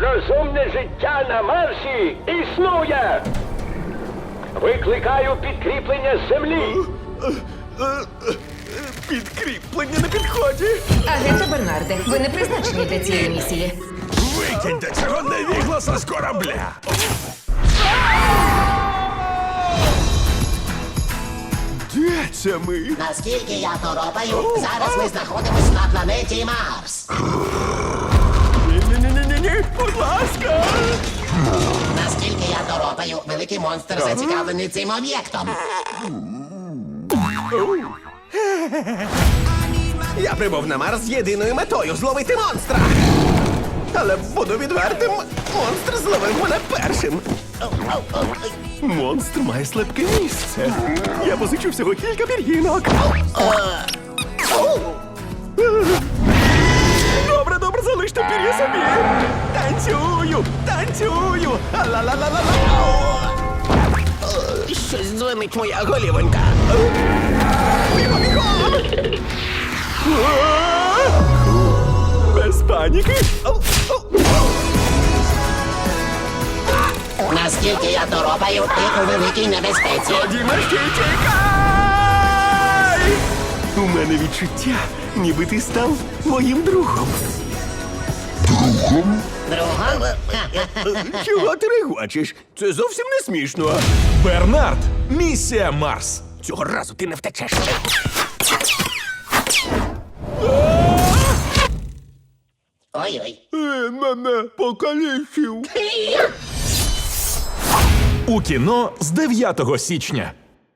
Розумне життя на Марсі існує! Викликаю підкріплення з землі! Підкріплення на підході. Агенте Бернарде, ви не призначені для цієї місії. Викиньте цього невігласа з корабля. Де це ми? Наскільки я торопаю, зараз ми знаходимось на планеті Марс. Ні-ні-ні-ні-ні, будь ласка. Наскільки я торопаю, великий монстр зацікавлений цим об'єктом. Я прибув на Марс з єдиною метою — зловити монстра. Але буду відвертим, монстр зловив мене першим. Монстр має слабке місце. Я позичу всього кілька пір'їнок. Добре, добре, залиште пір'я собі. Танцюю, танцюю. Ла-ла-ла-ла-ла. Щось дзвонить моя голівонька. Бігом, бігом! Без паніки. Наскільки я торопаю, ти у великій небезпеці. Тоді мерщій тікай! У мене відчуття, ніби ти став моїм другом. Другом? Чого ти регочеш? Це зовсім не смішно. Бернард, місія Марс. Цього разу ти не втечеш. Ой-ой. Мене покалічив. У кіно з 9 січня.